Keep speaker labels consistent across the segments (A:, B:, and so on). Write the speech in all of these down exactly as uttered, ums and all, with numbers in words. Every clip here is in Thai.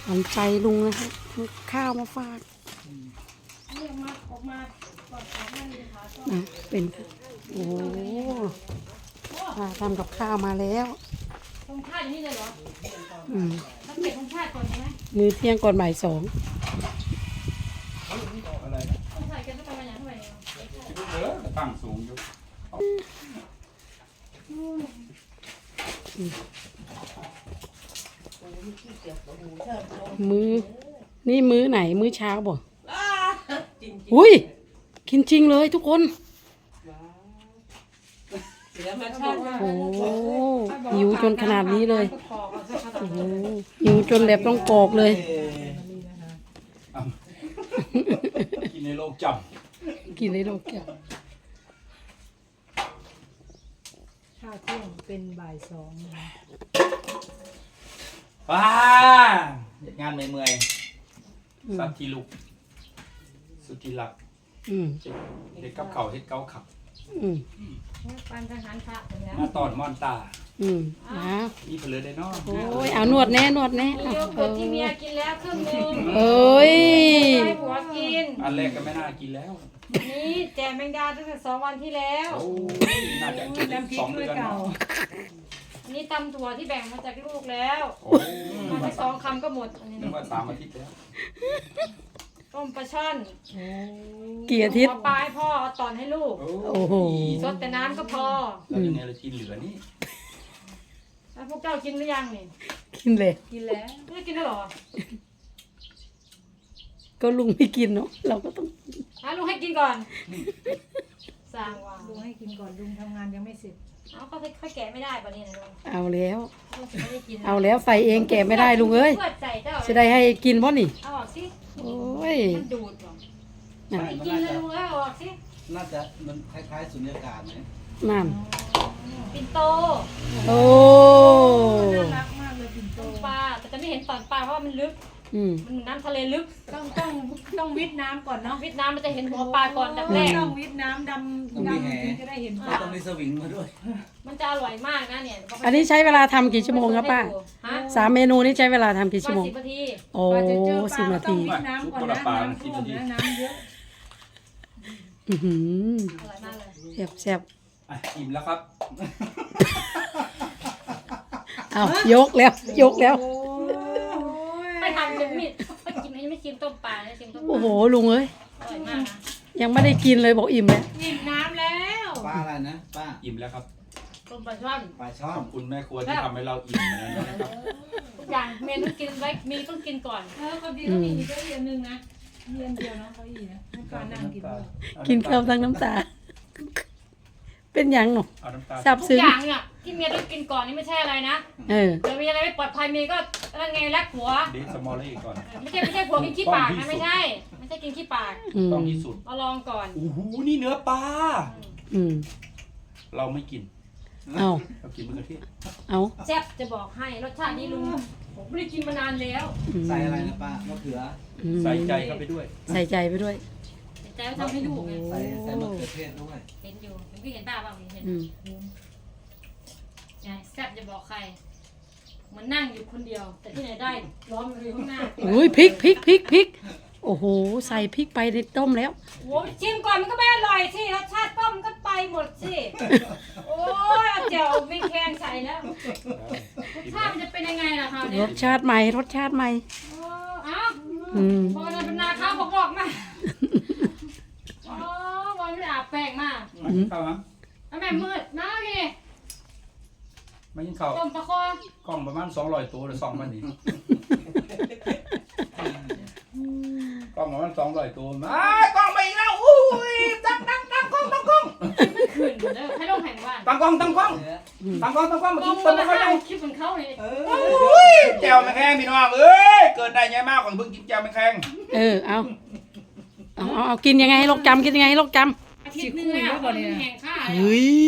A: หันใจลุงนะคะข้าวมาฝากนะเป็นโอ้ป้าทำกับข้าวมาแล้ว
B: ตรงชาติอย่างนี้เลยเหรอ
A: อืม
B: ต้องเก็บตรงชาติก่อนใช่ไหม
A: มื้อเที่ยงก่อนบ่ายสอง
C: อะไรนะ
B: ต้องใส่กันต้องไปอย่างเท่าไหร่
C: เออตั้งสูงอยู่
A: มื้อนี่มื้อไหนมื้อเช้าบ่อุ้ยกินจริงเลยทุกคนโอ้หิวจนขนาดนี้เลยโอ้โหหิวจนแบบต้องกรอกเลย
C: กินในโลกจ
A: กินได้โลกแก้ว
D: ข้าวเที่ยงเป็นบ่ายสองนะคะ
C: ำว้าเฮ็ดงานเมื่อยๆสัตว์ที่ลูกสุดที่รัก
A: อืม
C: เฮ็ดกับเขาวเฮ็ดเกาขับ
A: อืม
B: ปันทหารพระไปแล้ว
C: มาตอนม่อนตา
A: อืมนะ
C: มีเพลือได้เนาะ
A: โอ้ยเอานวดแน่นวดแน่
B: มี
A: เอา
B: โย
A: เอ
B: เกิร์ต
A: อ
B: ที่เมียกินแล้วครึ่งนึง
A: เอ้ย
B: ให้ผัวกิน
C: อันแรกก็ไม่น่ากินแล้ว
B: นี่แจมแมงดาตั้งแต่สองวันที่แล้ว
C: โอ้ยน่าจะกินได้
D: น้ำพริ
C: ส
D: ก
C: อง
D: ด้ว
C: เดื
D: ย
C: อน
D: เก่า
C: เนาะ
B: อันนี้ตำถั่วที่แบ่งมาจากลูกแล้ว
C: โอ้ย
B: มาแค่สองคำก็หมดอันนี้
C: นึกว่าสามอาทิตย์แล้ว
B: ต้มปลาช่อน
A: กี่อาทิตย์
B: หัวปลาให้พ่อเอาตอนให้ลูก
A: โอ้โห
B: สดแต่น้ำก็พอ
C: แล้วยังไงเรากินเหลือนี่
B: แล้วพวกเจ้ากินหรือยังนี่
A: กินเลย
D: กินแล้ว
B: ไม่ได้กินแล้วเหรอ
A: ก็ลุงไม่กินเนาะเราก็ต้อง
B: อ่ะลุงให้กินก่อนสร้างว่า
D: ลุงให้กินก่อนลุงทำงานยังไม่เสร็จ
B: เอาก็ค่อยแกะไม่ได้ป่ะนี่นะลุง
A: เอาแล้ว
B: ลุงจะไม่ได้กิน
A: เอาแล้วใส่เองแกะไม่ได้ลุงเอ้ย
B: เพื่อใส่เจ้า
A: จะได้ให้กินบ่นี่
B: เอาออกสิ
A: โอ้ย
B: มันดูดเหรอ
A: น่ะ
B: ไม่กินเลยลุงเอ้ยเอาออกสิ
E: น่าจะมันคล้ายๆสุญญากาศไหม
A: นั่น
B: ปิ่นโต
A: โอ้
D: น่ารักมากเลยปิ่นโต
B: ปลาแต่จะไม่เห็นตอนปลาเพราะว่ามันลึก
A: อืม
B: มันน้ำทะเลลึก
D: ต้องต้องต้องวิทน้ำก่อนเนาะ
B: วิทน้ำมันจะเห็นหัวปลาก่อนดับแรก
D: ต้องวิทน้ำดำดำถึงจะได้เห็นปลา
E: ต้องมีสวิงมาด้วย
B: มันจะอร่อยมากนะเนี่ย
A: อันนี้ใช้เวลาทำกี่ชั่วโมงครับป้า
B: ฮะ
A: สามเมนูนี้ใช้เวลาทำกี่
B: ป
A: ชั่ว
B: ระ
A: โม
B: มาณ
A: ง
B: สิบนาที
A: โอ้
D: กว่าจะเจอป
A: สิบ
D: ลา
A: นา
D: ต้อ
A: ที
D: งวิทน้ำก่อนนะน้ำท่วมนะน้ำเยอะ
A: อือหือ
B: อร่อยมากเลย
A: แซ่บแซ่บ
C: อ่ะอิ่มแล้วครับ
A: เอายกแล้วยกแล้ว
D: โอ้ย
B: ไม่ทำจะมีไม่กินไม่ไม่ชิมต้มปลาไม่ชิมต้มป
A: โอ้
B: ลา
A: โหลุงเอ้ย
B: อร่อยมากนะ
A: ยังไม่ได้กินเลยบอกอิ่มเลย
D: อิ่มน้ำแล้ว
E: ป้าอะไรนะ ป้า
C: อิ่มแล้วครับ
B: ต้มปลาช่อน
E: ปลาช่อ
C: ข
E: น
C: อบคุณแม่ครัวที่ทำให้เราอิ่มนะครับ
B: ทุกอย่างเมนูกินไว้มีต้องกินก่อน
D: เออคนดีต้องมีอีกเยอะนึงนะมีอันเดียวเนาะเขาอีนะให้ปลานั่งกินด้วย
A: กินข้าวทั้งน้ำตา เป็นหยังหนู
C: เอาน้ำตาล
A: ซับ
B: ทุก
A: ซึ้ง
B: อย่างเนี่ยที่เมียต้องกินก่อนนี่ไม่ใช่อะไรนะ
A: เออ
B: เดี๋ยวมีอะไรไม่ปลอดภัยเมียก็นั่นไงรักผัว
C: เดสมอลลี่ก่อน
B: ไม่ใช่ไม่ใช่ผัวกินขี้ปากนะไม่ใช่ ไม่ใช่กินขี้ปาก
A: อืม
C: ต้องที่สุด
B: เอาลองก่อน
C: โอ้โหนี่เนื้อปลา
A: อืม
C: เราไม่กิน
A: เอา
C: เรากินมะเขือเทศ
A: เอา
B: แซ่บจะบอกให้รสชาตินี้ลุงผมไม่ได้กินมานานแล้ว
A: อืม
E: ใส่อะไรนะป้ามะเขือ
A: อืม
C: ใส่ใจเข้าไปด้วย
A: ใส่ใจไปด้วย
B: แต่ว่าทำให้ดูไง
E: ใส่ใส่มะเขือเทศด้วย
B: เห็นอยู่เห็นพี่เห็นป้าบ้างเห็น
A: อืม
B: ไงแซ่บจะบอกใครเหมันนั่งอยู่คนเดียว แต่ที่ไหนได้ร้อนอยู่ข้างหน้า
A: อุ้ยพริกพริกพริกพริกโอ้โหใส่พริกไปในต้มแล้ว
B: โอ้ยชิมก่อนมันก็ไม่อร่อยสิรสชาติต้มมันก็ไปหมดสิโอ้ยเอาเจียวไม่แข็งใส่แล้วรสชาติมันจะเป็นยังไงล่ะคะ
A: ร
B: เนี่ย
A: สชาติใหม่รสชาติใหม่
B: โอ้เอ้า
A: อืม
B: พอเราเป็นนาข้าวบอกบอกมาโอ้วันไม่ได้อาบแป้งมา
C: มากินข้าวมั้ง
B: แล้วแม่มืดมาพี่
C: มากินข้าว
B: ต้มปลาคอก
C: ล้องประมาณสองร้อยตัวหรือสองพันนี่กล้องประมาณสองร้อยตัวมากล้องไปอีกแล้วอุ้ยตั้งตั้งตั้งกล้องตั้งกล้อง
B: ไม่คืนเด้อให้ลงแห่งบ้าน
C: ตั้งกล้องตั้งกล้องตั้งกล้องตั้งกล้องมา
B: ต้
C: กิ
B: ม
C: น
B: ต้
C: ต้
B: ม
C: น
B: มา
C: มะพร้าว
B: คลิปของเขาเนี่ย
C: อุ้ยแจวแมงแคงพี่น้องเอ้ยเกิดได้ไงมากกว่าเพิ่งกินแจวแมงแคง
A: เออเอาเอาเอาเอากินยังไงให้โรคจำกินยังไงให้โรคจ
B: อาทิตย์นึงแล้วมันแห่งข้า
A: ำเฮ้ย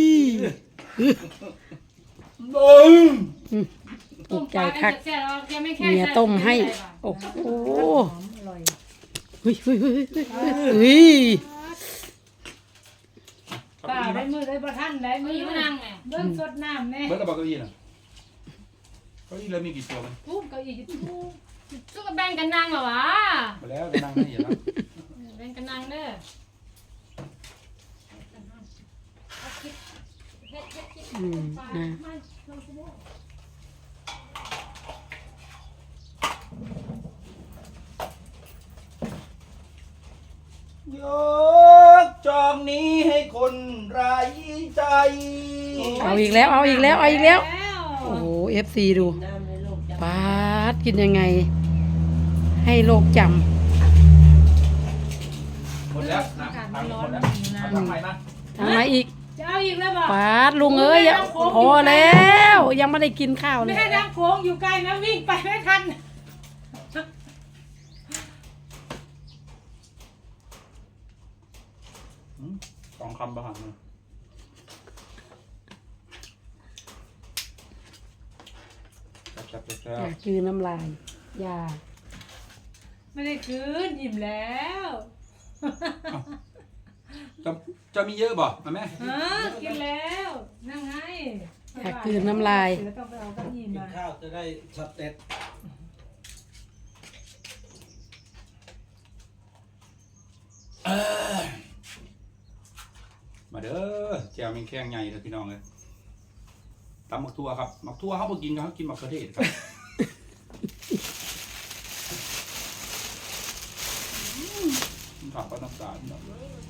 C: บึ้ง
A: ถู
B: ต้ม
A: ก
B: ป
A: ใจ
B: ลา
A: คัก
B: แซ่บๆยังไม่แค่
A: เมียต้มให้โอ้โห
D: หอมอร่อย
A: เฮ้ยเฮ้ยเฮ้ยเฮ้ยเฮ้ย
D: ป้าได้มือได้ประทันได้
B: มื
D: มื
B: อ
D: อ
B: มา
D: นั่
B: นั่
D: ง
B: งไง
D: เบิ้งสดน้ำแน่
C: เบิร์ดกระบอกเก้าอี้น่ะเก้าอี้แล้วมีกี่ตัวมัน
D: ทุบเก้าอี้ทุบ
B: สู้กับแบ่งกันนางเหรอวะ
C: มาแล้วจะนั่งให้เห็นแล้ว
B: แบ่งกันนางเด้อเอาคิดเฮ็ดเฮ็ดคิด
A: อืมนะ
C: ยกจองนี้ให้คนไร้ใจ
A: เอาอีกแล้วเอาอีกแล้วเอาอีกแล้ว โอ้โหเอฟซีดูปาดกินยังไง ให้โลกจ
C: หมดแล้วนะทำหมดแล้วทำใหม่นะ
A: ำทำไมอีก
D: จะเอาอีกแล้วบอก
A: ปาดลุงเอ้ยอย่าพอแล้วยังไม่ได้กินข้าวเล
D: ไม่
A: ย
D: ให้น้ำโค้งอยู่ไกลนะวิ่งไปไม่ทัน
C: สองคำประหารเลยจับจับจับ
A: อยากคืนน้ำลายอยา
D: ไม่ได้คืนอิ่มแล้ว
C: จะจะมีเยอะบ่มาแม่
D: ฮะกินแล้วนั่งไง
A: อยากคืนน้ำลาย
D: เดี๋ยวต้องไปเอาเก้าอี้
E: กิน
D: มา
E: ข้าวจะได้ช็อตเด็ด
C: มาเด้อแจวเป็นแข้งใหญ่เลยพี่น้องเลยตำมักทั่วครับมักทั่วเขาไปกินเขากินมักกระเทศครับผักก็น้ำตาลเนาะ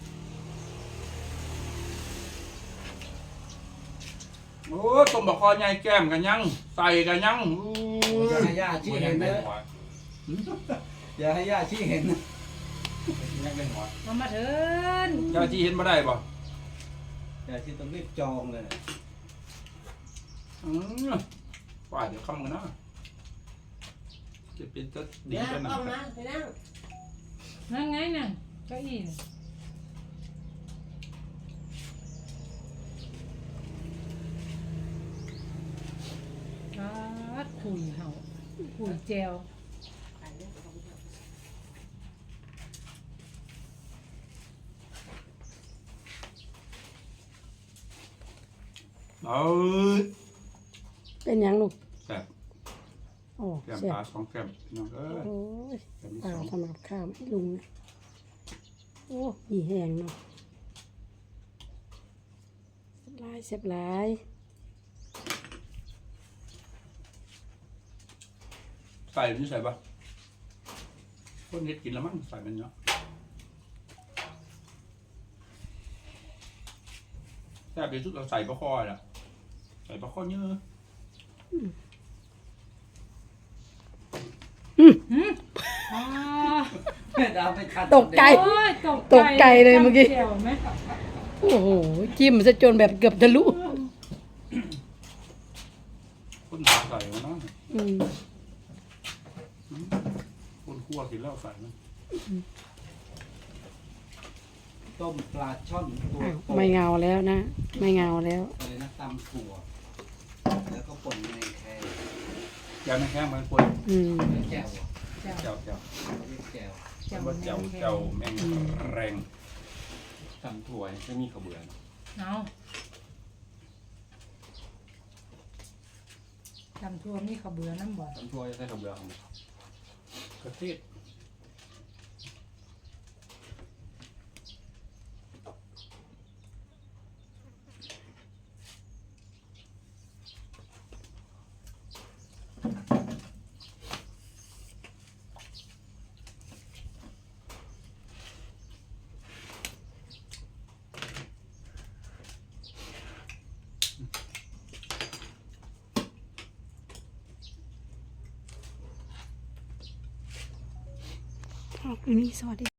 C: โอ้ต้มบะคอใหญ่แก้มกันยังใส่กันยังอู้
E: อย่าให้ย่าชี้เห็นนะอย่าให้ย่าชี้เห็นนะ
C: ยังเป็นหัว
D: เอามาเถิน
C: เจ้าที่เห็นมาได้ป่ะ
E: ย่าชี้ต้องรีบจองเลยนะ
C: อืมว่าเดี๋ยวคำกันนะจะเป็นจะดีกันนะ
D: นั่งไงนั่งเก้าอี้น่ะครับคุยเห่าคุยแจว
C: เอา
A: เป็นหยังลูก
C: แซ่บ
A: โอ้
C: แก้ม
A: เสีย
C: ปลาสองแก้มพี่น้องเอ้ย
A: โอ้ย
C: แก้มที่
A: ปลา
C: สอง
A: ทำกับข้าวให้ลุงนะโอ้มีแห้งเนาะเสียบหลายเสียบหลาย
C: ใส่หรือใส่ปะคนเฮ็ดกินแล้วมั้งใส่มันเนาะแซ่บที่สุดเราใส่ปลาคอแหละใส่ปลาคอเยอะ
D: อ๋อ
E: แม่ดาวไปทัน
A: ตกใจ
D: โอ้ยตก
A: ตกใจเลยเมื่อกี้
D: จำแจ่วไหม
A: โอ้โหจิ้มซะจนแบบเกือบทะลุ
C: คนหาใส่มันนะ
A: อืม
C: คนคั่วกินแล้วใส่มัน
E: ต้มปลาช่อนตัว
A: อ้าว
E: โต
A: ไม่เงาแล้วนะ ไม่เงาแล้ว
E: เลยนะตำถั่วแล้วก็ป่นในแคร
C: แก้วไม่แข้งมันควร
A: อืม
E: แจ่ว
D: แจ่ว
C: เจ้าเจ้า
E: เรียกแจ่ว
D: แจ่ว
C: ว่าเจ้าเจ้าแมงแรง
F: ตำถั่วไม่มีข้าวเบื่อเนอะ
D: เอาจำทั่วมีข้าวเบื่อน้ำบ่
F: ตำถั่วจะใส่ข้าวเบื่อของมัน
C: กระเทศ
A: ขอบคุณนี่สวัสดี